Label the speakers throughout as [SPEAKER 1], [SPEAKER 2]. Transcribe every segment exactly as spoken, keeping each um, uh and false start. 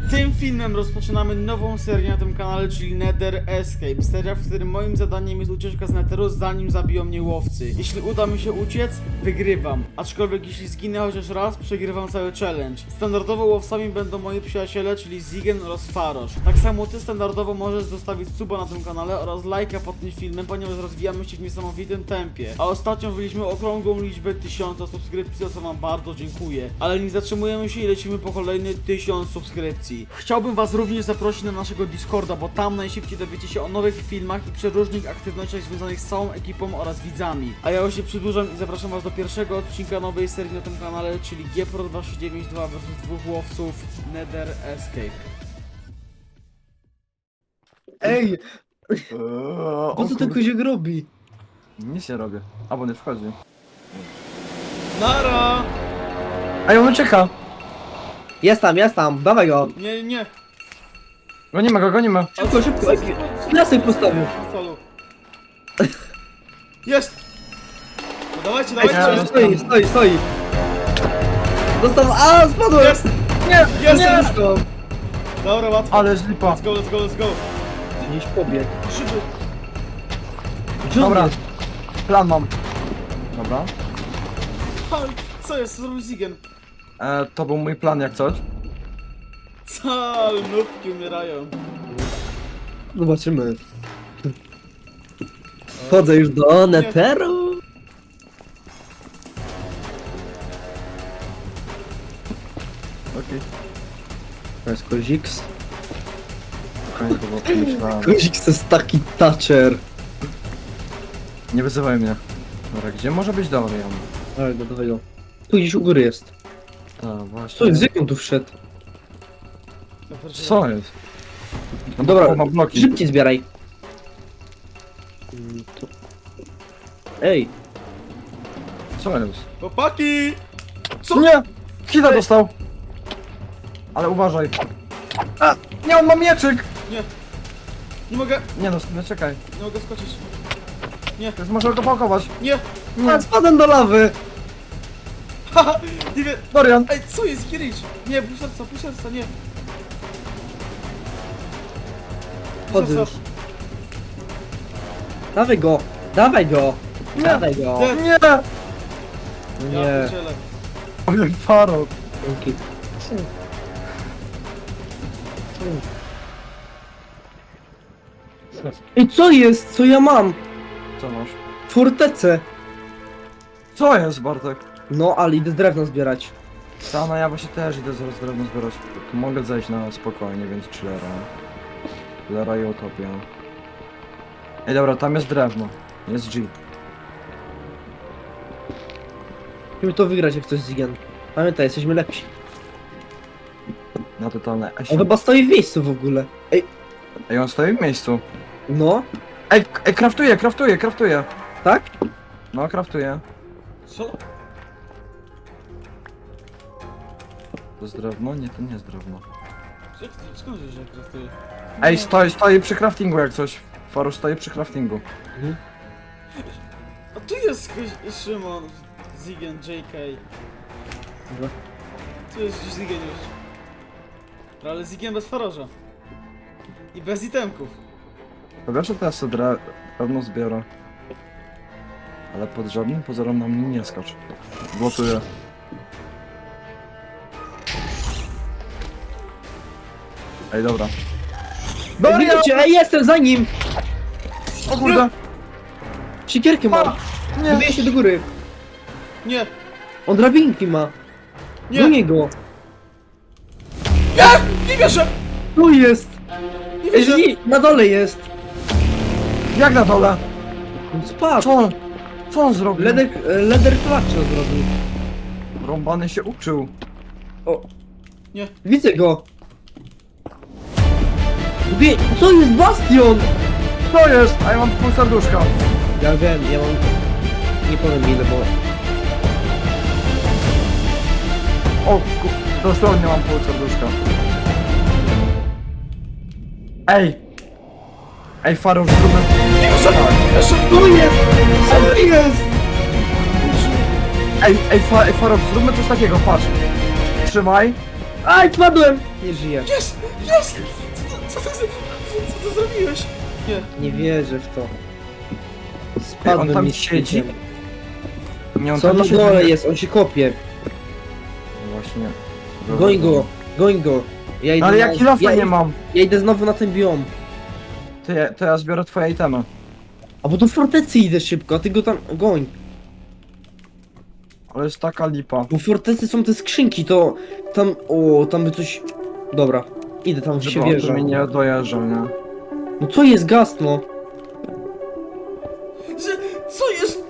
[SPEAKER 1] Tym filmem rozpoczynamy nową serię na tym kanale, czyli Nether Escape. Seria, w którym moim zadaniem jest ucieczka z Netheru, zanim zabiją mnie łowcy. Jeśli uda mi się uciec, wygrywam. Aczkolwiek jeśli zginę chociaż raz, przegrywam cały challenge. Standardowo łowcami będą moi przyjaciele, czyli Zigen oraz Farosz. Tak samo ty standardowo możesz zostawić suba na tym kanale oraz lajka pod tym filmem, ponieważ rozwijamy się w niesamowitym tempie. A ostatnio wyliśmy okrągłą liczbę tysiąca subskrypcji, za co wam bardzo dziękuję. Ale nie zatrzymujemy się i lecimy po kolejny tysiąc subskrypcji. Chciałbym was również zaprosić na naszego Discorda, bo tam najszybciej dowiecie się o nowych filmach i przeróżnych aktywnościach związanych z całą ekipą oraz widzami. A ja już się przedłużam i zapraszam was do pierwszego odcinka nowej serii na tym kanale, czyli G P R O dwa trzy dziewięć dwa versus dwóch łowców Nether Escape.
[SPEAKER 2] Ej,
[SPEAKER 3] Eee,
[SPEAKER 2] po co ten koziek robi?
[SPEAKER 3] Nic nie robię. Albo nie wchodzi.
[SPEAKER 1] Nara!
[SPEAKER 3] Ej, on ucieka!
[SPEAKER 2] Jest tam, jest tam, dawaj go.
[SPEAKER 1] Nie, nie.
[SPEAKER 3] Gonimy go, gonimy.
[SPEAKER 2] Szybko, szybko, ej, piasek postawił.
[SPEAKER 1] Folu. Jest! No dawajcie,
[SPEAKER 2] Ej,
[SPEAKER 1] dawajcie!
[SPEAKER 2] stoi, stoi, stoi, stoi. Dostał, a spadłem.
[SPEAKER 1] Jest!
[SPEAKER 3] Nie,
[SPEAKER 1] Jest!
[SPEAKER 3] nie!
[SPEAKER 2] Łóżko.
[SPEAKER 1] Dobra, łatwo.
[SPEAKER 3] Ale zlipa.
[SPEAKER 1] Let's go, let's go, let's go.
[SPEAKER 2] Gdzieś pobiegł.
[SPEAKER 1] Szybko.
[SPEAKER 2] Gdzie on
[SPEAKER 3] Dobra,
[SPEAKER 2] jest?
[SPEAKER 3] plan mam. Dobra.
[SPEAKER 1] Ha, co jest? Co zrobił Zigen?
[SPEAKER 3] E, to był mój plan jak coś.
[SPEAKER 1] Całe nubki umierają.
[SPEAKER 2] Zobaczymy. Wchodzę już do Netheru.
[SPEAKER 3] Okej.
[SPEAKER 2] To jest koziks.
[SPEAKER 3] Fajnie to było pomyślałem.
[SPEAKER 2] Koziks to jest taki toucher.
[SPEAKER 3] Nie wyzywaj mnie. Dobra, gdzie może być Dorian?
[SPEAKER 2] Dawaj go, dawaj go. Tu gdzieś u góry jest.
[SPEAKER 3] Tak, właśnie.
[SPEAKER 2] Co jest, z jaką tu wszedł?
[SPEAKER 3] Co jest? No
[SPEAKER 2] Dobra,
[SPEAKER 3] ma bloki.
[SPEAKER 2] szybciej zbieraj. Mm, tu. Ej,
[SPEAKER 3] Co jest?
[SPEAKER 1] Chłopaki! Co?
[SPEAKER 3] Nie! Hita dostał! Ale uważaj. A! Nie, on ma mieczyk!
[SPEAKER 1] Nie. Nie mogę,
[SPEAKER 3] Nie no, no czekaj.
[SPEAKER 1] nie mogę skoczyć. Nie,
[SPEAKER 3] To jest, może go pakować.
[SPEAKER 1] nie.
[SPEAKER 3] Nie.
[SPEAKER 2] a spadłem do lawy.
[SPEAKER 1] Haha, nie wiem.
[SPEAKER 3] Dorian!
[SPEAKER 1] Ej, co jest, Kirich? Nie, pół serca, pół serca, nie. Pół
[SPEAKER 2] Chodzę już.
[SPEAKER 1] serca.
[SPEAKER 2] Dawaj go, dawaj go.
[SPEAKER 3] Nie.
[SPEAKER 2] Dawaj go.
[SPEAKER 1] Nie.
[SPEAKER 3] Nie!
[SPEAKER 1] Ja
[SPEAKER 2] Nie.
[SPEAKER 1] pierdzielę.
[SPEAKER 3] Ojej, Faro.
[SPEAKER 2] Dzięki. Ej, co jest? Co ja mam?
[SPEAKER 3] Co masz?
[SPEAKER 2] Fortecę.
[SPEAKER 3] Co jest, Bartek?
[SPEAKER 2] No, ale idę drewno zbierać.
[SPEAKER 3] Ta, no ja właśnie też idę zaraz drewno zbierać. Tu mogę zejść na spokojnie, więc chillera. Chillera i utopia. Ej, dobra, tam jest drewno. Jest G.
[SPEAKER 2] Musimy to wygrać jak coś z Zigen. Pamiętaj, jesteśmy lepsi.
[SPEAKER 3] Na totalne
[SPEAKER 2] On
[SPEAKER 3] esie.
[SPEAKER 2] chyba stoi w miejscu w ogóle. Ej,
[SPEAKER 3] Ej, on stoi w miejscu.
[SPEAKER 2] no,
[SPEAKER 3] Ej, k- ej, kraftuje, kraftuje, kraftuje.
[SPEAKER 2] tak?
[SPEAKER 3] No, kraftuje.
[SPEAKER 1] Co?
[SPEAKER 3] To jest drewno? Nie, to nie jest drewno.
[SPEAKER 1] Jak, skąd wiesz, że jak kraftuje?
[SPEAKER 3] Ej, stoi, stoi przy craftingu jak coś. Farusz stoi przy craftingu.
[SPEAKER 1] A tu jest ktoś- Szymon, Zigen, J K.
[SPEAKER 2] Dobra.
[SPEAKER 1] Tu jest gdzieś Zigen już. Ale Zigen bez Farorza. I bez itemków.
[SPEAKER 3] To wiesz, że teraz sobie dre- drewno zbiorę. Ale pod żadnym pozorem na mnie nie skacz. Blokuję. Ej, dobra.
[SPEAKER 2] Ej, widzicie, ej, jestem za nim!
[SPEAKER 3] O kurde!
[SPEAKER 2] Siekierkę ma.
[SPEAKER 3] Nie!
[SPEAKER 2] Wybije się do góry.
[SPEAKER 1] Nie,
[SPEAKER 2] On drabinki ma. Do
[SPEAKER 1] nie,
[SPEAKER 2] niego.
[SPEAKER 1] nie, nie wierzę!
[SPEAKER 2] Tu jest.
[SPEAKER 1] Nie
[SPEAKER 2] Ej,
[SPEAKER 1] wierzę!
[SPEAKER 2] nie, na dole jest.
[SPEAKER 3] Jak na dole?
[SPEAKER 2] On spadł.
[SPEAKER 3] Co on? Co on zrobił?
[SPEAKER 2] Leder, leder clutcha zrobił.
[SPEAKER 3] Rąbany się uczył.
[SPEAKER 2] O,
[SPEAKER 1] Nie,
[SPEAKER 2] widzę go. Wybije... Co jest Bastion?
[SPEAKER 3] Co jest? A ja mam pół serduszka.
[SPEAKER 2] Ja wiem, ja mam... Nie powiem ile, bo...
[SPEAKER 3] O ku... Dosłownie mam pół serduszka. Ej! Ej, Farusz, zróbmy...
[SPEAKER 1] nie wierzę! Nie wierzę!
[SPEAKER 2] Tu jest! Co jest?
[SPEAKER 3] Ej, ej, fa, ej Farusz, zróbmy coś takiego, patrz. Trzymaj.
[SPEAKER 2] Aj, wpadłem! Nie żyję.
[SPEAKER 1] Jest! Jest! Co to, co to, za- co to zrobiłeś? Nie.
[SPEAKER 2] Nie wierzę w to.
[SPEAKER 3] Ej,
[SPEAKER 2] Spadłem
[SPEAKER 3] on tam
[SPEAKER 2] mi z
[SPEAKER 3] siedzi?
[SPEAKER 2] pikiem.
[SPEAKER 3] Nie, on
[SPEAKER 2] Co
[SPEAKER 3] tam
[SPEAKER 2] na
[SPEAKER 3] siedzi.
[SPEAKER 2] dole jest? On się kopie.
[SPEAKER 3] Właśnie.
[SPEAKER 2] Goń go, goń go. Ja idę
[SPEAKER 3] Ale
[SPEAKER 2] na-
[SPEAKER 3] ja kilofa
[SPEAKER 2] ja,
[SPEAKER 3] nie mam.
[SPEAKER 2] Ja idę znowu na ten biom.
[SPEAKER 3] To ja, to ja zbiorę twoje itemy.
[SPEAKER 2] A bo do fortecy idę szybko, a ty go tam goń.
[SPEAKER 3] Ale jest taka lipa.
[SPEAKER 2] Bo w fortecy są te skrzynki, to tam, o, tam by coś... Dobra, idę tam,
[SPEAKER 3] Żeby
[SPEAKER 2] się
[SPEAKER 3] on
[SPEAKER 2] wierzę.
[SPEAKER 3] mi nie dojeżdżał, nie?
[SPEAKER 2] No co jest gaz, no?
[SPEAKER 1] Że, co jest?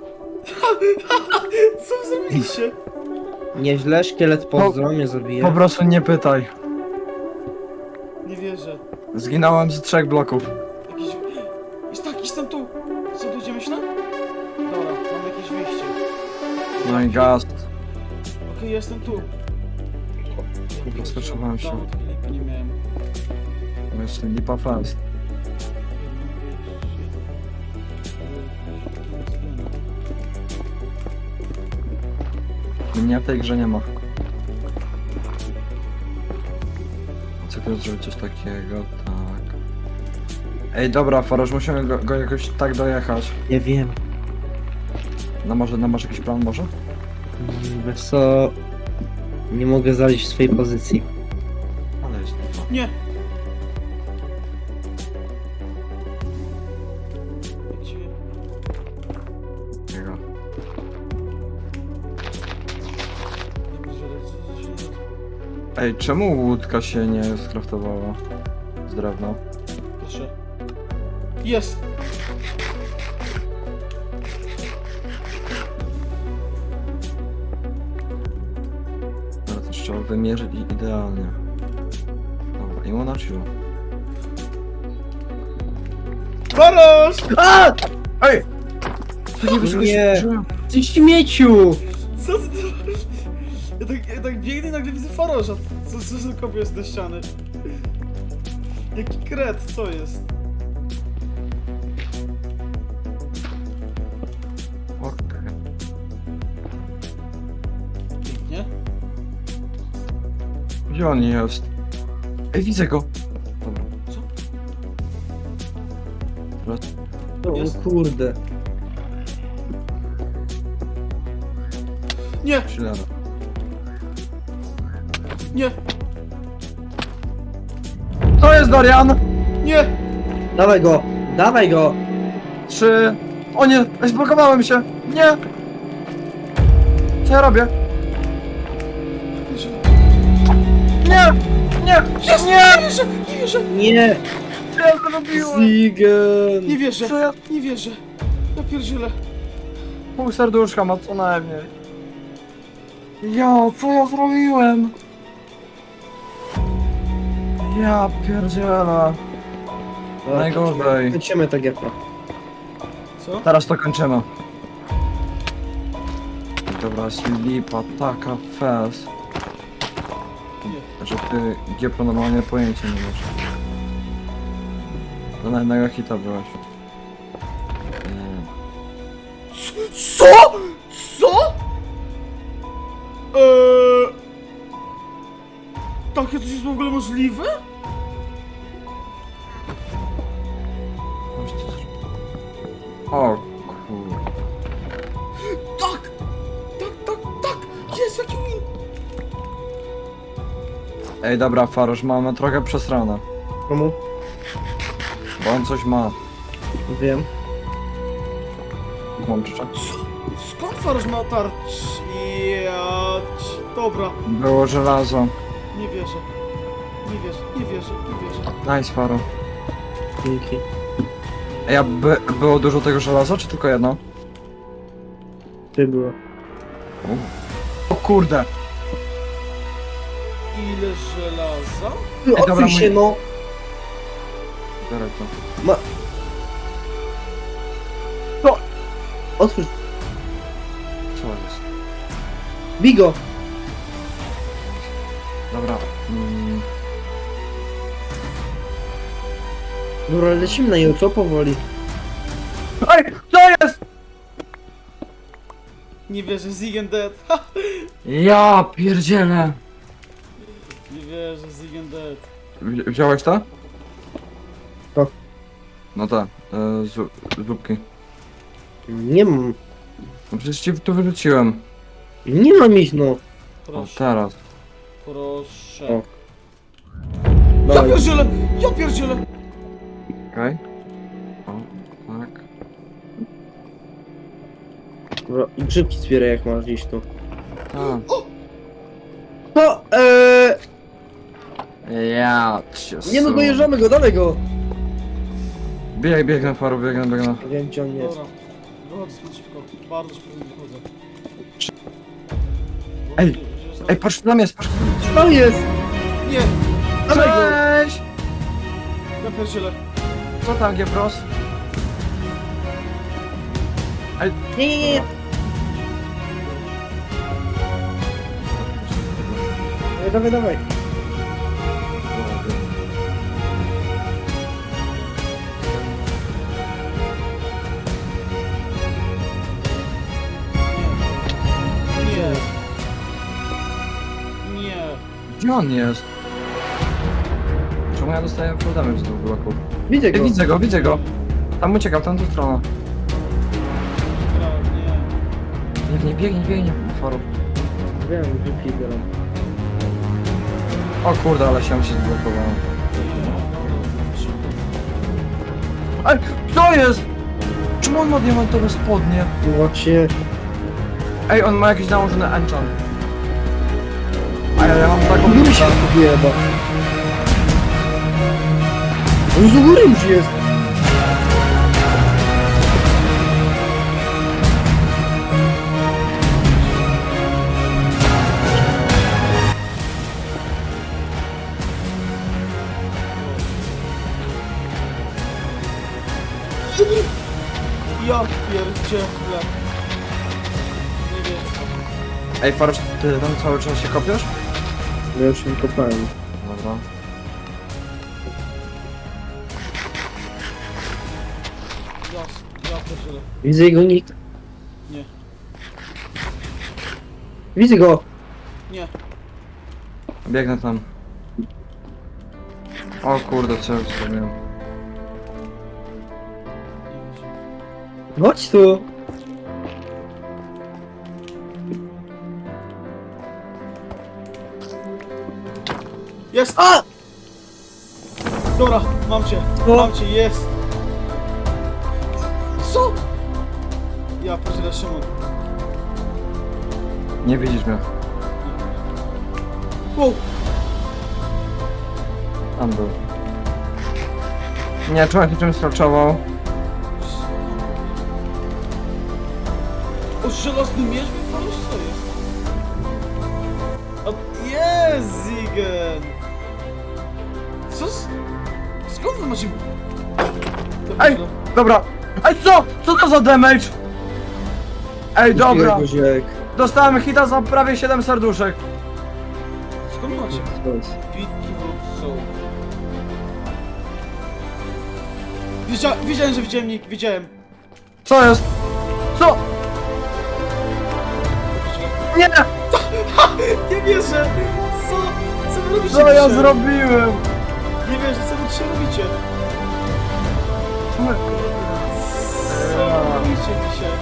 [SPEAKER 1] Co wy zrobiliście?
[SPEAKER 2] Nieźle, szkielet pozdro mnie zabije.
[SPEAKER 3] Po prostu nie pytaj.
[SPEAKER 1] Nie wierzę.
[SPEAKER 3] Zginąłem z trzech bloków.
[SPEAKER 1] Jakiś... Jest tak, jestem tu. Co, tu idziemy myślę? Dobra, mam jakieś wyjście.
[SPEAKER 3] No i gaz.
[SPEAKER 1] Okej, jestem tu.
[SPEAKER 3] Rozkoczowałem się.
[SPEAKER 1] Dawno takiej lipy nie miałem.
[SPEAKER 3] No jest lipa fest. Mnie w tej grze nie ma. Co to zrobić coś takiego? Tak. Ej, dobra, Faroż, musimy go, go jakoś tak dojechać.
[SPEAKER 2] Ja wiem.
[SPEAKER 3] No może, no masz jakiś plan może?
[SPEAKER 2] Mm, Wiesz co... Nie mogę zaleźć w swojej pozycji.
[SPEAKER 3] Ale jest lipa.
[SPEAKER 1] Nie! Gdzie?
[SPEAKER 3] Jego.
[SPEAKER 1] Nie wiem, że- co- co się dzieje.
[SPEAKER 3] Ej, czemu łódka się nie skraftowała? Z drewna.
[SPEAKER 1] Proszę. Jest!
[SPEAKER 3] Ale to trzeba wymierzyć i idealnie. Dobra, i ona chwilę.
[SPEAKER 1] Barosz!
[SPEAKER 2] A!
[SPEAKER 3] Ej! Co nie
[SPEAKER 2] Nie.
[SPEAKER 3] wyskoczyłem?
[SPEAKER 2] Ty śmieciu!
[SPEAKER 1] Co ty tu... Ja tak, ja tak biegnę i nagle widzę Farosza. Co, co za kopie jest do ściany? Jaki kret, co jest?
[SPEAKER 3] Okej.
[SPEAKER 1] Pięknie.
[SPEAKER 3] Gdzie on jest? Ej, widzę go! Dobra.
[SPEAKER 1] Co?
[SPEAKER 3] Teraz
[SPEAKER 2] O
[SPEAKER 1] Jest.
[SPEAKER 2] kurde.
[SPEAKER 1] Nie!
[SPEAKER 3] chillera.
[SPEAKER 1] Nie!
[SPEAKER 3] To jest Dorian!
[SPEAKER 1] Nie!
[SPEAKER 2] Dawaj go! Dawaj go!
[SPEAKER 3] Trzy... O nie! Ej, zblokowałem się! Nie! Co ja robię? Nie! Nie!
[SPEAKER 1] Jest!
[SPEAKER 3] Nie!
[SPEAKER 1] Nie wierzę! Nie wierzę!
[SPEAKER 2] Nie!
[SPEAKER 3] Co ja zrobiłem?
[SPEAKER 2] Zigen!
[SPEAKER 1] Nie wierzę!
[SPEAKER 3] Co ja...
[SPEAKER 1] Nie wierzę! Ja pierdzielę!
[SPEAKER 3] Pół serduszka ma co najmniej. Ja, co ja zrobiłem? Ja pierdzielę. Najgorzej.
[SPEAKER 2] Kończymy to gierkę.
[SPEAKER 1] Co?
[SPEAKER 3] Teraz to kończymy. Dobra, jest lipa, taka fest.
[SPEAKER 1] Nie.
[SPEAKER 3] Że ty Giepro normalnie pojęcia nie masz. To na jednego hita byłeś. Nie.
[SPEAKER 1] Co? Co? Eee... Takie coś jest w ogóle możliwe?
[SPEAKER 3] Coś ty zrobił. O kur...
[SPEAKER 1] Tak! Tak, tak, tak! Jest jaki win!
[SPEAKER 3] Ej dobra, Farosz, mamy trochę przesrane.
[SPEAKER 2] Komu?
[SPEAKER 3] Bo on coś ma.
[SPEAKER 2] Wiem.
[SPEAKER 3] Łączcze.
[SPEAKER 1] Co? Skąd Farosz ma tarcz? Jać. Dobra,
[SPEAKER 3] Było żelazo.
[SPEAKER 1] nie wierzę. Nie wierzę, nie wierzę, nie wierzę.
[SPEAKER 3] Nice, Faro.
[SPEAKER 2] Dzięki.
[SPEAKER 3] Ej, a by, było dużo tego żelaza, czy tylko jedno?
[SPEAKER 2] Ty było.
[SPEAKER 3] O kurde!
[SPEAKER 1] Ile żelaza?
[SPEAKER 2] Ty,
[SPEAKER 3] dobra,
[SPEAKER 2] odsuń się
[SPEAKER 3] mój-
[SPEAKER 2] no!
[SPEAKER 3] Biorę to.
[SPEAKER 2] Ma... No! Otwórz.
[SPEAKER 3] Co jest?
[SPEAKER 2] Bigo!
[SPEAKER 3] Dobra. Mm,
[SPEAKER 2] Dobra, lecimy na nią, co powoli?
[SPEAKER 3] Ej, co jest?
[SPEAKER 1] Nie wierzę, Zigen dead. Ha!
[SPEAKER 3] Ja pierdzielę.
[SPEAKER 1] wierzę, Zigen Dead.
[SPEAKER 3] Wzi- Wziąłeś to?
[SPEAKER 2] To.
[SPEAKER 3] No tak, e, z, zupki.
[SPEAKER 2] Nie mam.
[SPEAKER 3] No przecież ci tu wyrzuciłem.
[SPEAKER 2] Nie mam ich, no.
[SPEAKER 3] O,
[SPEAKER 1] Proszę,
[SPEAKER 3] teraz.
[SPEAKER 1] proszę.
[SPEAKER 2] O.
[SPEAKER 1] Ja
[SPEAKER 2] Dawaj.
[SPEAKER 1] pierdzielę! Ja pierdzielę!
[SPEAKER 3] Okej. O, tak.
[SPEAKER 2] Dobra, i grzybki zbieraj jak masz gdzieś tu.
[SPEAKER 3] Tak.
[SPEAKER 2] No, eee...
[SPEAKER 3] Ja cię
[SPEAKER 2] Nie no,
[SPEAKER 3] su-
[SPEAKER 2] dojeżdżamy go, dalej go!
[SPEAKER 3] Bieg, biegnę, Faru, biegnę, biegnę.
[SPEAKER 2] Nie wiem gdzie on jest.
[SPEAKER 1] Dobra, wychodzę stąd szybko. Bardzo szybko wychodzę.
[SPEAKER 3] Ej,
[SPEAKER 1] Że jest
[SPEAKER 3] Ej, patrz, tam jest, patrz.
[SPEAKER 2] Tam jest!
[SPEAKER 1] Nie!
[SPEAKER 2] Dawaj go!
[SPEAKER 3] Cześć!
[SPEAKER 1] Ja pierdzielę.
[SPEAKER 3] Co tam, Giepros?
[SPEAKER 2] Nie, nie, nie! Dawaj, dawaj, dawaj.
[SPEAKER 1] Nie. Nie.
[SPEAKER 3] Gdzie on jest? Czemu ja dostaję full damage z tych bloków?
[SPEAKER 2] Widzę
[SPEAKER 3] Ej,
[SPEAKER 2] go.
[SPEAKER 3] widzę go, widzę go. Tam uciekam, tam tą stronę.
[SPEAKER 1] Dobra, nie.
[SPEAKER 3] Biegnie, biegnie, biegnie. Faru.
[SPEAKER 2] Wiem, grzybki zbieram.
[SPEAKER 3] O kurde, ale się się zblokowałem.
[SPEAKER 1] Szybko.
[SPEAKER 3] Ej, co jest? Czemu on ma diamentowe spodnie?
[SPEAKER 2] No właśnie.
[SPEAKER 3] Ej, on ma jakiś nałożony enchant. A ja, ja mam taką
[SPEAKER 2] On mi się
[SPEAKER 3] bluzę.
[SPEAKER 2] wyjeba. On z góry już jest.
[SPEAKER 1] Ja pierdzielę. Nie wiem.
[SPEAKER 3] Ej, Farusz, ty tam cały czas się kopiesz?
[SPEAKER 2] No już nie kopałem.
[SPEAKER 3] Dobra.
[SPEAKER 1] Ja, ja pierdzielę.
[SPEAKER 2] Widzę jego nick.
[SPEAKER 1] Nie.
[SPEAKER 2] Widzę go.
[SPEAKER 1] Nie.
[SPEAKER 3] Biegnę tam. O kurde, co ja zrobiłem?
[SPEAKER 2] Chodź tu.
[SPEAKER 1] Jest!
[SPEAKER 2] A!
[SPEAKER 1] Dobra, mam cię.
[SPEAKER 2] O!
[SPEAKER 1] Mam cię, jest. Co? Ja pierdzielę, Szymon.
[SPEAKER 3] Nie widzisz mnie.
[SPEAKER 1] Wow.
[SPEAKER 3] Tam był. Nie, człowiek się czymś straczował.
[SPEAKER 1] O, żelazny miecz wypadłeś? Co jest? O, jest, Zigen! Co z... Skąd wy macie... Ja
[SPEAKER 3] Ej!
[SPEAKER 1] pierdzielę.
[SPEAKER 3] Dobra! Ej, co? Co to za damage? Ej, dobra!
[SPEAKER 2] Guziek.
[SPEAKER 3] Dostałem hita za prawie siedem serduszek.
[SPEAKER 1] Skąd macie? Beetroot soul. Wiedzia wiedziałem, że widziałem nick, wiedziałem.
[SPEAKER 3] Co jest? Co? Nie!
[SPEAKER 1] Nie wierzę! Co? Co wy robicie
[SPEAKER 3] Co ja
[SPEAKER 1] dzisiaj?
[SPEAKER 3] zrobiłem?
[SPEAKER 1] Nie wierzę, co wy dzisiaj robicie?
[SPEAKER 3] Co my-
[SPEAKER 1] Co wy robicie dzisiaj?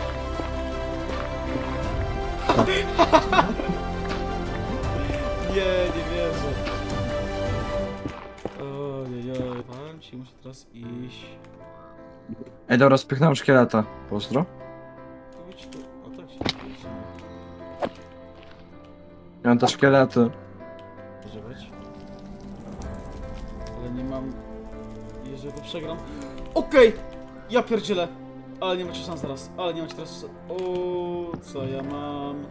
[SPEAKER 1] Nie, nie wierzę. Ojej, powiem ci, muszę teraz iść.
[SPEAKER 3] Ej, dobra, spychnąłem szkieleta. Pozdro.
[SPEAKER 1] Idź tu. O tak się dzieje.
[SPEAKER 3] Ja mam te szkielety.
[SPEAKER 1] Używać. Ale nie mam... Jeżeli to przegram... Okej! Ja pierdzielę! Ale nie macie szans teraz. Ale nie macie teraz... O, co ja mam?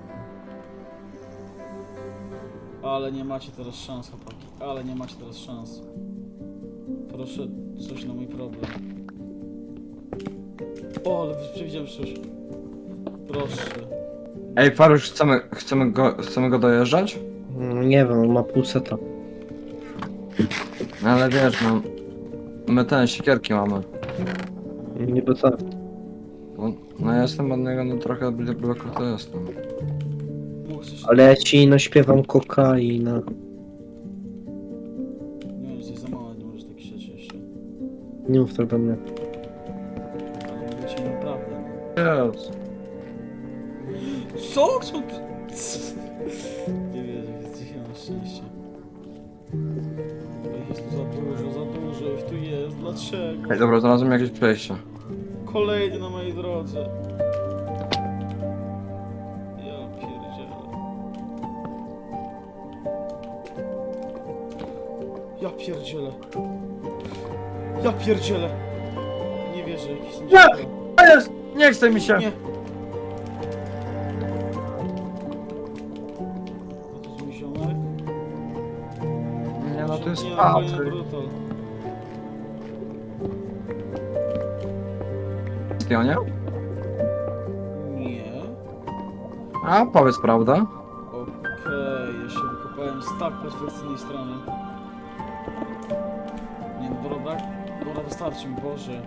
[SPEAKER 1] Ale nie macie teraz szans, chłopaki. Ale nie macie teraz szans. Proszę, coś na mój problem. O, ale przewidziałem przyszłość. Proszę.
[SPEAKER 3] Ej, Farusz, chcemy, chcemy, go, chcemy go dojeżdżać?
[SPEAKER 2] Mm, Nie wiem, on ma pół seta.
[SPEAKER 3] No ale wiesz, no... My ten, siekierki mamy.
[SPEAKER 2] Niby tak.
[SPEAKER 3] Bo, no ja jestem od niego, no trochę bloku to jestem.
[SPEAKER 1] Mógł coś...
[SPEAKER 2] Ale ja ci naśpiewam kokaina. Nie mów tak do mnie.
[SPEAKER 1] Ale mówię ci naprawdę.
[SPEAKER 3] Jest.
[SPEAKER 1] Co? Co ty? Nie wierzę, jest dzisiaj na szczęście. Ej, jest tu za dużo, za dużo ich tu jest, dlaczego?
[SPEAKER 3] Ej, dobra, znalazłem jakieś przejście.
[SPEAKER 1] Kolejny na mojej drodze. Ja pierdzielę. Ja pierdzielę. Ja pierdzielę. Nie wierzę, jakiś są
[SPEAKER 3] Nie!
[SPEAKER 1] dziecko.
[SPEAKER 3] A jest! Nie chce mi się!
[SPEAKER 1] Nie. A to jest mój ziomek?
[SPEAKER 3] Nie no, to jest
[SPEAKER 1] Nie, no, kolejny
[SPEAKER 3] Patryk.
[SPEAKER 1] brutal.
[SPEAKER 3] Spionie?
[SPEAKER 1] Nie.
[SPEAKER 3] A, powiedz prawda.
[SPEAKER 1] Okej, ja się wykopałem z tak perfekcyjnej strony. Nie no, dobra, dobra, wystarczy mi, Boże.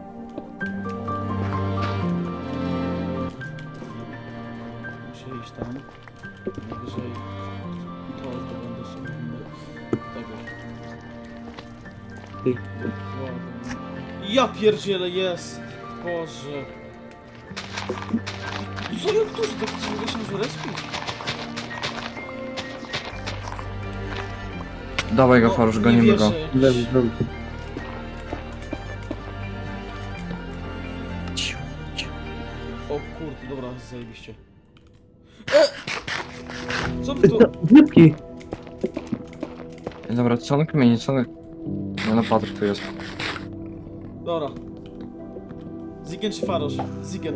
[SPEAKER 1] Muszę iść tam. Najwyżej to zdobędę sobie tego.
[SPEAKER 2] Ty.
[SPEAKER 1] Ja pierdzielę, jest! Boże. Co jak to, że tak ciągle się może respić?
[SPEAKER 3] Dawaj go,
[SPEAKER 1] No,
[SPEAKER 3] Farusz,
[SPEAKER 1] nie
[SPEAKER 3] gonimy go.
[SPEAKER 1] wierzę.
[SPEAKER 2] Lewy, lewy.
[SPEAKER 1] O kurde, dobra, zajebiście. E! Co wy tu?
[SPEAKER 2] Wypki.
[SPEAKER 3] Ej, dobra, co on kmieni, co on... Nie no, Patryk tu jest.
[SPEAKER 1] Dobra. Zigen czy Farosz? Zigen.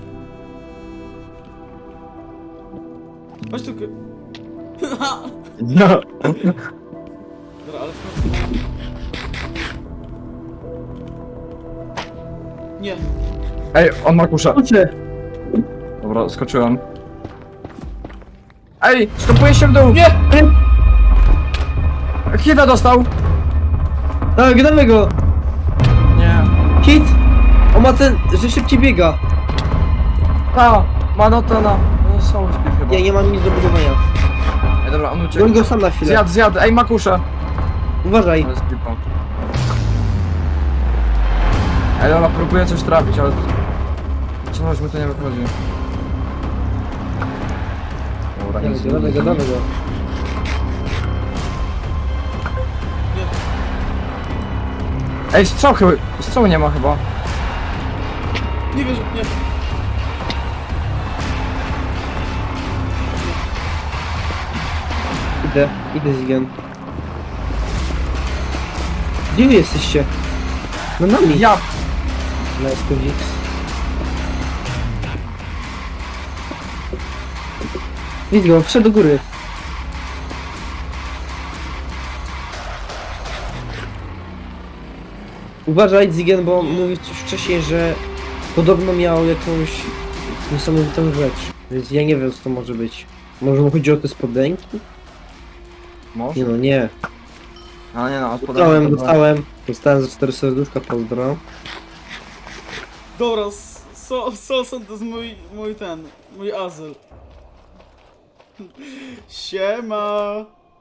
[SPEAKER 1] Chodź tu. k-
[SPEAKER 3] No.
[SPEAKER 1] Dobra, ale w końcu. Nie.
[SPEAKER 3] Ej, on ma kuszę.
[SPEAKER 2] Chodźcie.
[SPEAKER 3] Dobra, skoczyłem. Ej, stopuję się w dół!
[SPEAKER 1] Nie!
[SPEAKER 3] Hita dostał!
[SPEAKER 2] Tak, damy go.
[SPEAKER 3] Nie.
[SPEAKER 2] Hit. On ma ten, że szybciej biega.
[SPEAKER 3] Ta, ma no to na... No, są speed chyba.
[SPEAKER 2] Ja nie mam nic do budowania.
[SPEAKER 3] Ej, dobra, on uciekł.
[SPEAKER 2] Goń go sam na chwilę.
[SPEAKER 3] Zjadł, zjadł, ej, ma kuszę!
[SPEAKER 2] Uważaj.
[SPEAKER 3] Ale z pipą. Ej, dobra, próbuję coś trafić, ale... Co chodź, mi to nie wychodzi. Dobra,
[SPEAKER 2] Damy
[SPEAKER 3] nic
[SPEAKER 2] go, damy go, damy go.
[SPEAKER 3] Ej, strzał chyba... Strzału nie ma chyba.
[SPEAKER 1] Nie wierzę, nie.
[SPEAKER 2] Idę, idę Zigen. Gdzie wy jesteście? No nami.
[SPEAKER 3] Ja...
[SPEAKER 2] Na S K X. Widz go, wszedł do góry. Uważaj Zigen, bo mówił coś wcześniej, że podobno miał jakąś niesamowitą rzecz. Więc ja nie wiem co to może być. Może mu chodzi o te spodenki?
[SPEAKER 3] Może?
[SPEAKER 2] Nie no, nie.
[SPEAKER 3] A nie no, a
[SPEAKER 2] Dostałem, dostałem. Dostałem za cztery serduszka, pozdro.
[SPEAKER 1] Dobra, s- so, Solson to jest mój, mój ten, mój azyl. Siema.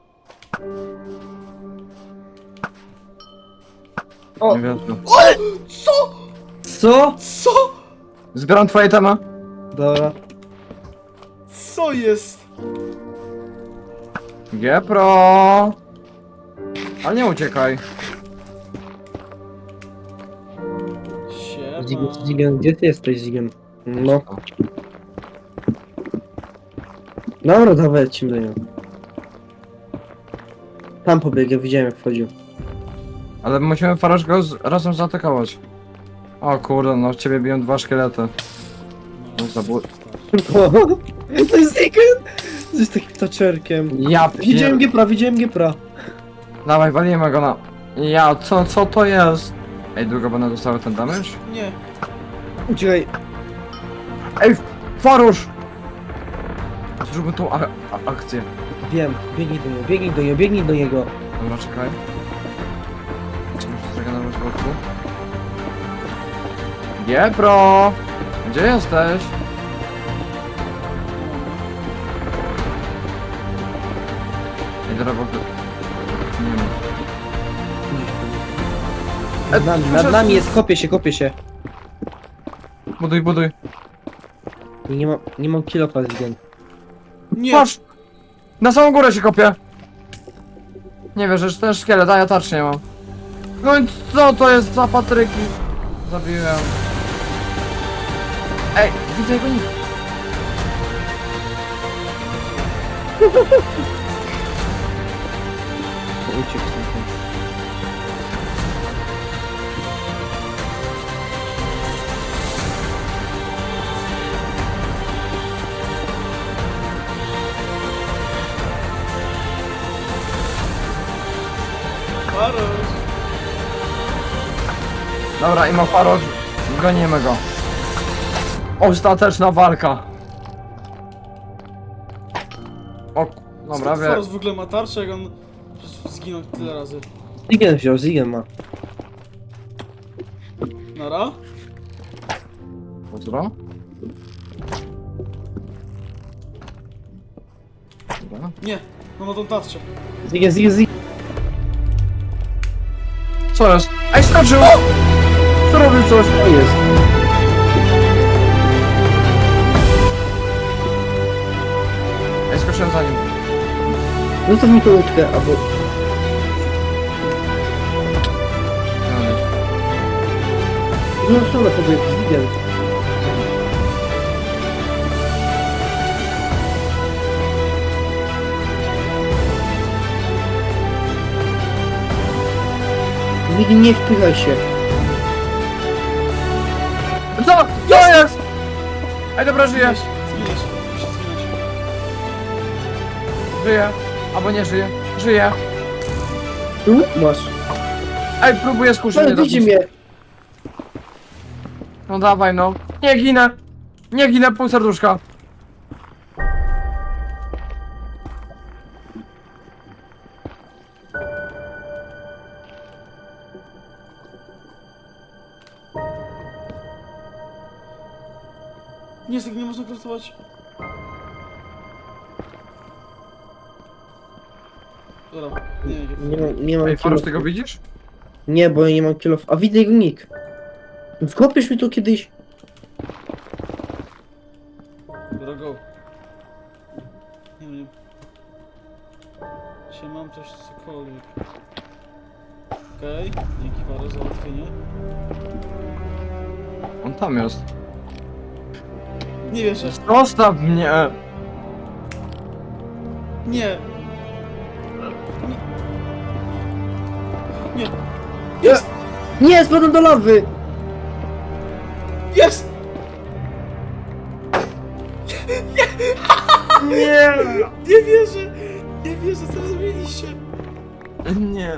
[SPEAKER 2] O!
[SPEAKER 3] Nie wiem.
[SPEAKER 1] Co?
[SPEAKER 2] Co?
[SPEAKER 1] Co?
[SPEAKER 3] Zbieram twoje temy.
[SPEAKER 2] Dobra.
[SPEAKER 1] Co jest?
[SPEAKER 3] G-Pro! Ale nie uciekaj.
[SPEAKER 1] Siema.
[SPEAKER 2] Zigen, Zigen, gdzie ty jesteś Zigen? No. Dobra, dawaj, lecimy do niego. Tam pobiegł, ja widziałem jak wchodził.
[SPEAKER 3] Ale musimy Farusz go z, razem zaatakować. O kurde, no w ciebie biją dwa szkielety. No zabój.
[SPEAKER 2] To jest Zigen! Jesteś takim taczerkiem.
[SPEAKER 3] Ja
[SPEAKER 2] Widziałem
[SPEAKER 3] pier...
[SPEAKER 2] Giepra, widziałem Giepra.
[SPEAKER 3] Dawaj, walimy go na... Ja, co, co to jest? Ej, długo będę dostały ten damage?
[SPEAKER 1] Nie.
[SPEAKER 2] Uciekaj.
[SPEAKER 3] Ej, Farusz! Zróbmy tą a, a, akcję.
[SPEAKER 2] Wiem, biegnij do niego, biegnij do niego, biegnij do niego.
[SPEAKER 3] Dobra, czekaj. Czy muszę zagadać z boku? G-Pro! Gdzie jesteś? Ej, dobra, bo... Nie wiem.
[SPEAKER 2] Nad nami, nad nami jest, kopie się, kopie się.
[SPEAKER 3] Buduj, buduj.
[SPEAKER 2] I nie mam, nie mam kilofa z gen.
[SPEAKER 1] Nie!
[SPEAKER 3] Patrz! Na samą górę się kopię! Nie wiesz, że ten szkielet, a ja tarczy nie mam. No i co to jest za patryki? Zabiłem. Ej, widzę jego nick.
[SPEAKER 2] Uciekł stąd.
[SPEAKER 1] Farosz!
[SPEAKER 3] Dobra, i ma farosz. Gonimy go. Ostateczna walka. O, dobra,
[SPEAKER 1] Skąd
[SPEAKER 3] wie.
[SPEAKER 1] Farosz w ogóle ma tarczę, jak on przecież zginął tyle razy.
[SPEAKER 2] Zigen wziął, Zigen ma.
[SPEAKER 1] Nara?
[SPEAKER 3] Pozdro. Dobra.
[SPEAKER 1] Nie, no ma tą tarczę.
[SPEAKER 2] Zigen, Zigen, Zigen.
[SPEAKER 3] Co jest? Ej, skoczył! Zrobił coś.
[SPEAKER 2] To jest.
[SPEAKER 3] Ej, skoczyłem za nim.
[SPEAKER 2] Zostaw mi tą łódkę, albo...
[SPEAKER 3] No, nie.
[SPEAKER 2] No, co na pobieg, Zigen. Zigen, nie wpychaj się.
[SPEAKER 3] Co? Co jest? Ej, dobra, żyje.
[SPEAKER 1] Zginiesz, zginiesz, musisz zginąć.
[SPEAKER 3] Żyje. Albo nie żyje. Żyje.
[SPEAKER 2] Tu masz.
[SPEAKER 3] Ej, próbuję skuszyć
[SPEAKER 2] Ale
[SPEAKER 3] mnie
[SPEAKER 2] widzi
[SPEAKER 3] dobić.
[SPEAKER 2] mnie.
[SPEAKER 3] No dawaj, no. Nie ginę. Nie ginę, pół serduszka.
[SPEAKER 1] Nie, z tego nie można kraftować. Dobra, nie wiem.
[SPEAKER 2] Nie mam, nie mam
[SPEAKER 3] Ej, Farosz,
[SPEAKER 2] kilof.
[SPEAKER 3] ty go widzisz?
[SPEAKER 2] Nie, bo ja nie mam kilof. A widzę jego nick. Wkopiesz mi to kiedyś?
[SPEAKER 1] Dobra, go. Nie wiem. Czy mam coś cokolwiek. Okej, okay. Dzięki Farosz za załatwienie.
[SPEAKER 3] On tam jest.
[SPEAKER 1] Nie wierzę.
[SPEAKER 3] Zostaw mnie!
[SPEAKER 1] Nie. Nie. Nie. Jest!
[SPEAKER 2] Nie, spadłem do lawy!
[SPEAKER 1] Jest!
[SPEAKER 3] Nie!
[SPEAKER 1] Nie wierzę! Nie wierzę, co zrobiliście?
[SPEAKER 3] Nie.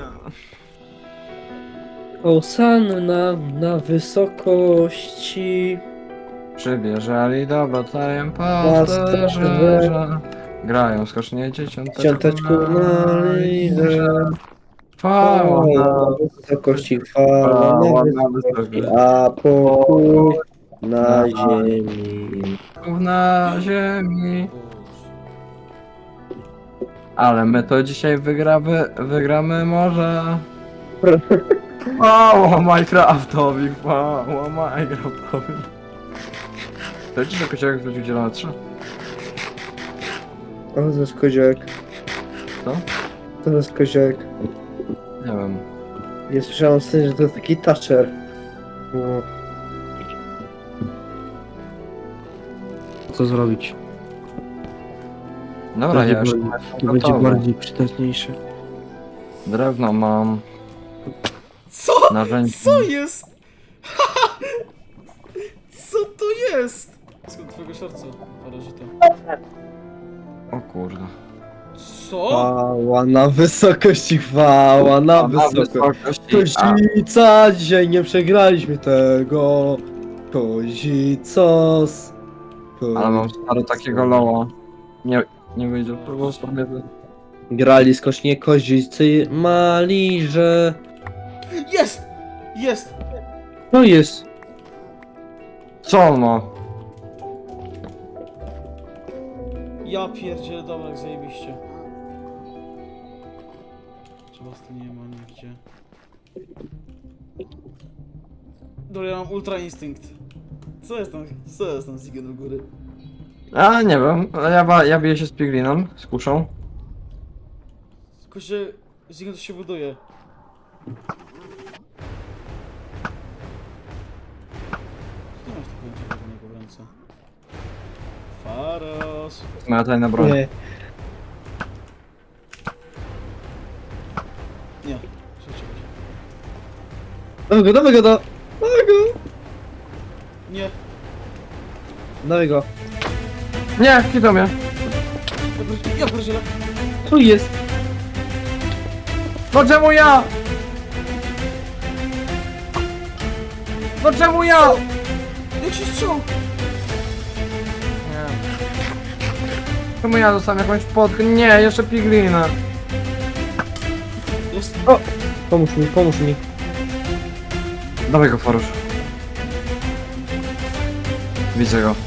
[SPEAKER 2] Osanna na wysokości.
[SPEAKER 3] Przybierzali do batajem
[SPEAKER 2] Pasterze.
[SPEAKER 3] pasterze. Grają skocznie dzieciąteczku
[SPEAKER 2] Ciąteczku na liże.
[SPEAKER 3] Chwała
[SPEAKER 2] Na wysokości chwała
[SPEAKER 3] Chwała
[SPEAKER 2] na
[SPEAKER 3] na
[SPEAKER 2] wysokości,
[SPEAKER 3] wysokości.
[SPEAKER 2] a pokój na
[SPEAKER 3] Na
[SPEAKER 2] ziemi.
[SPEAKER 3] na ziemi. Ale my to dzisiaj wygramy, wygramy może. Chwała Minecraftowi, chwała Minecraftowi. To ci tylko się wrócił zielone trzy?
[SPEAKER 2] O, to jest koziołek.
[SPEAKER 3] Co?
[SPEAKER 2] To jest koziołek.
[SPEAKER 3] Nie wiem.
[SPEAKER 2] Nie słyszałem z tym, że to jest taki toucher. No. Co zrobić?
[SPEAKER 3] Dobra, ja już
[SPEAKER 2] To będzie bardziej przydatniejsze.
[SPEAKER 3] Drewno mam,
[SPEAKER 1] Co?
[SPEAKER 3] narzędzie.
[SPEAKER 1] Co jest? Co to jest? Skąd twojego serca, Farożyta?
[SPEAKER 3] O kurde.
[SPEAKER 1] Co?
[SPEAKER 2] Chwała na wysokości, chwała na wysokości. Kozica, dzisiaj nie przegraliśmy tego. Kozicos.
[SPEAKER 3] Ale mam stary takiego loła. Nie, nie wyjdzie, próbował sobie.
[SPEAKER 2] Grali skocznie kozicy mali, że...
[SPEAKER 1] Jest! Jest!
[SPEAKER 2] No jest.
[SPEAKER 3] Co on ma?
[SPEAKER 1] Ja pierdzielę, dobra, jak zajebiście. Czy was tu nie ma nigdzie? Dobra, ja mam ultra instynkt. Co jest tam, co jest tam z Zigen u góry?
[SPEAKER 3] A, nie wiem. Ja, wa- ja biję się z Piglinem, z kuszą.
[SPEAKER 1] Tylko się... Zigen to się buduje. Co masz takiego dziwnego w ręce? Faros.
[SPEAKER 3] To jest moja tajna broń.
[SPEAKER 2] Nie.
[SPEAKER 1] Nie, przeczytaj.
[SPEAKER 2] Dawaj go, dawaj go, da- dawaj go!
[SPEAKER 1] Nie,
[SPEAKER 2] Dawaj go.
[SPEAKER 3] Nie, hitą mnie.
[SPEAKER 1] ja pierdzielę, ja pierdzielę.
[SPEAKER 2] Tu jest!
[SPEAKER 3] No czemu ja? No czemu ja?
[SPEAKER 1] Jak się strzał?
[SPEAKER 3] Nie. Czemu ja dostałem jakąś podkę? Nie, jeszcze Piglina.
[SPEAKER 1] Jest.
[SPEAKER 2] Pomóż mi, pomóż mi.
[SPEAKER 3] Dawaj go, Farusz. Widzę go.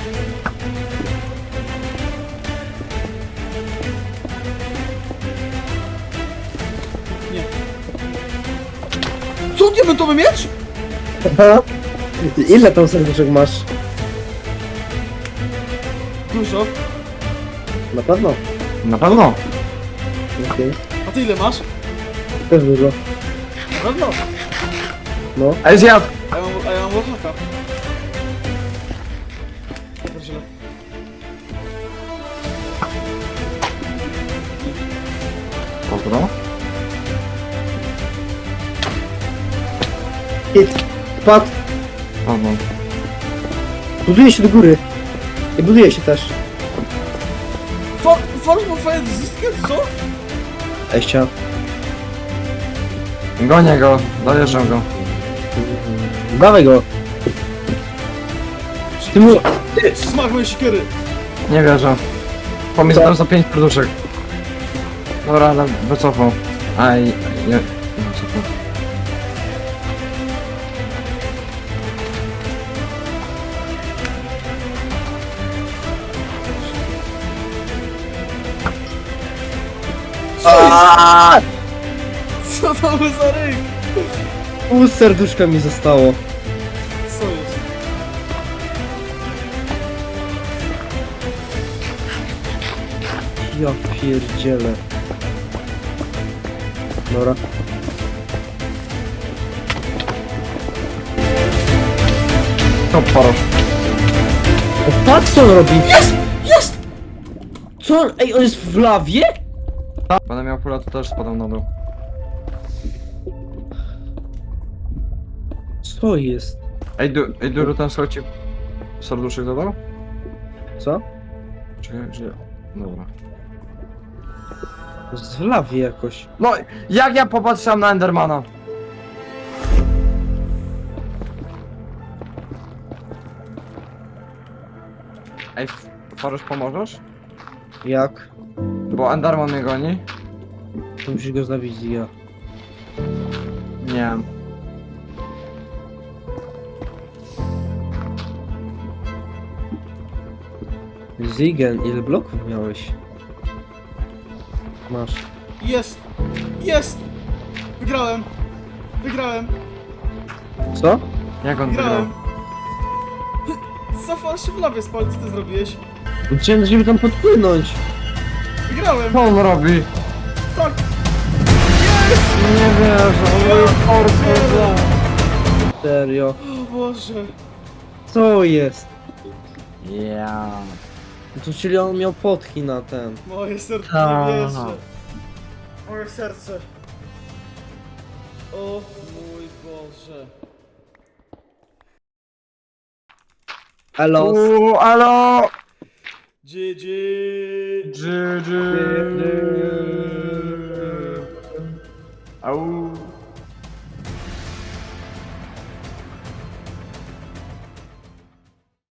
[SPEAKER 1] Nie. Co, diamentowy miecz?
[SPEAKER 2] Ile tam serduszek masz?
[SPEAKER 1] Dużo.
[SPEAKER 2] Na pewno.
[SPEAKER 3] Na pewno.
[SPEAKER 2] Okej.
[SPEAKER 1] A ty ile masz?
[SPEAKER 2] Też dużo.
[SPEAKER 1] Na pewno.
[SPEAKER 2] No.
[SPEAKER 3] Ej, zjadł.
[SPEAKER 1] A ja mam, a ja mam warhacka. Ja pierdzielę.
[SPEAKER 3] Pozdro.
[SPEAKER 2] Hit. Padł.
[SPEAKER 3] Pozdro.
[SPEAKER 2] Buduje się do góry. I buduje się też.
[SPEAKER 1] For, Force ma fajny zyskiem, co?
[SPEAKER 2] Eścia.
[SPEAKER 3] Gonię go. Dojeżdżam go.
[SPEAKER 2] Dawaj go. Ty mu...
[SPEAKER 1] Smak mojej sikiery.
[SPEAKER 3] Nie wierzę. Pomysł dał za pięć serduszek. Dobra, ale wycofał. Aj, nie. Wycofał.
[SPEAKER 2] Aaaa!
[SPEAKER 1] Co to był za ryk?
[SPEAKER 2] Pół serduszka mi zostało.
[SPEAKER 1] Co jest?
[SPEAKER 2] Ja pierdzielę. Dobra.
[SPEAKER 3] To Farusz.
[SPEAKER 2] O, patrz co on robi!
[SPEAKER 1] Jest! Jest!
[SPEAKER 2] Co on... Ej, on jest w lawie?
[SPEAKER 3] Będę miał pula, to też spadam na dół.
[SPEAKER 2] Co jest?
[SPEAKER 3] Ej, du ej Duru, ten słuchaj ci serduszek dodał?
[SPEAKER 2] Co?
[SPEAKER 3] Czekaj, że... Dobra.
[SPEAKER 2] Jest w lawie jakoś.
[SPEAKER 3] No, jak ja popatrzyłem na Endermana? Ej, F- Farusz, pomożesz?
[SPEAKER 2] Jak?
[SPEAKER 3] Bo Enderman mnie goni?
[SPEAKER 2] To musisz go zabić, ja.
[SPEAKER 3] Nie.
[SPEAKER 2] Zigen, ile bloków miałeś? Masz.
[SPEAKER 1] Jest! Jest! Wygrałem! Wygrałem!
[SPEAKER 2] Co?
[SPEAKER 3] Jak on wygrał?
[SPEAKER 1] Wygrałem! Zafal się w lawie spalić, co ty zrobiłeś?
[SPEAKER 2] Chciałem, żeby tam podpłynąć.
[SPEAKER 1] Wygrałem!
[SPEAKER 3] Co on robi?
[SPEAKER 1] Tak!
[SPEAKER 3] Nie wierzę, on
[SPEAKER 1] Ja
[SPEAKER 2] Serio.
[SPEAKER 1] O Boże!
[SPEAKER 2] Co jest?
[SPEAKER 3] Ja.
[SPEAKER 2] To czyli on miał potki na ten.
[SPEAKER 1] Moje serce
[SPEAKER 3] Ta.
[SPEAKER 1] nie wierzę. Moje serce. O mój Boże.
[SPEAKER 2] Elo.
[SPEAKER 3] Uuu, alo!
[SPEAKER 1] G G!
[SPEAKER 3] G G.